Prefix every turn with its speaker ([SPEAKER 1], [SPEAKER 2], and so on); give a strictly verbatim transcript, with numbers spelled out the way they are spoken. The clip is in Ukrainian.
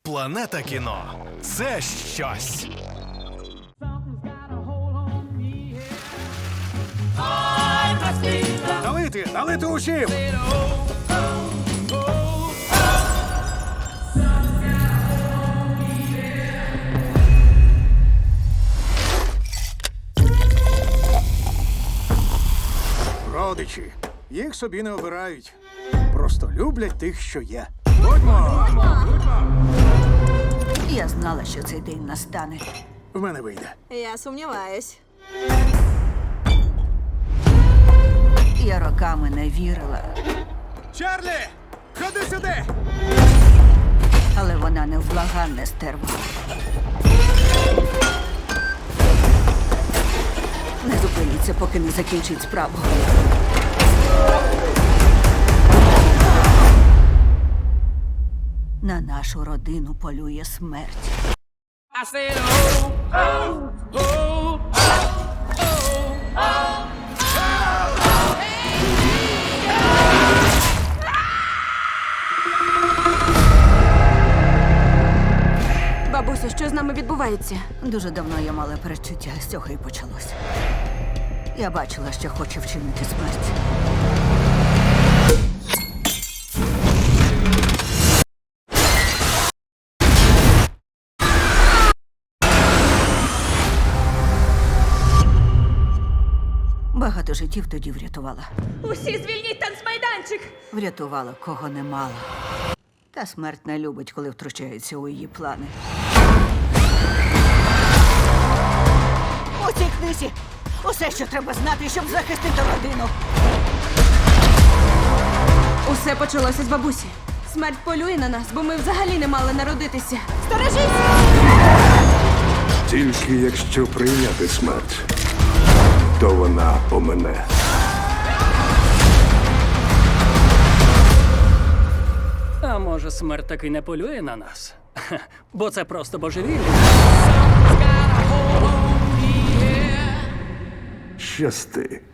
[SPEAKER 1] Планета кіно – це щось.
[SPEAKER 2] Налити, налити усім! Родичі. Їх собі не обирають. Просто люблять тих, що є. Будьмо!
[SPEAKER 3] Я знала, що цей день настане.
[SPEAKER 2] В мене вийде.
[SPEAKER 4] Я сумніваюсь.
[SPEAKER 3] Я роками не вірила,
[SPEAKER 2] Чарлі! Ходи сюди!
[SPEAKER 3] але вона невблаганне стерва. Не зупиниться, поки не закінчить справу. На нашу родину полює смерть.
[SPEAKER 5] I said, oh, oh, oh,
[SPEAKER 4] Бабусю, що з нами відбувається?
[SPEAKER 3] Дуже давно я мала передчуття, з цього і почалося. Я бачила, що хоче вчинити смерть. Багато життів тоді врятувала.
[SPEAKER 4] Усі звільніть танцмайданчик!
[SPEAKER 3] Врятувала, кого не мала. Та смерть не любить, коли втручається у її плани. У цій книзі усе, що треба знати, щоб захистити родину.
[SPEAKER 4] Усе почалося з бабусі. Смерть полює на нас, бо ми взагалі не мали народитися.
[SPEAKER 6] Тільки якщо прийняти смерть, то вона помине.
[SPEAKER 5] А може, смерть таки не полює на нас? Хе, бо це просто божевілля.
[SPEAKER 6] Щасти.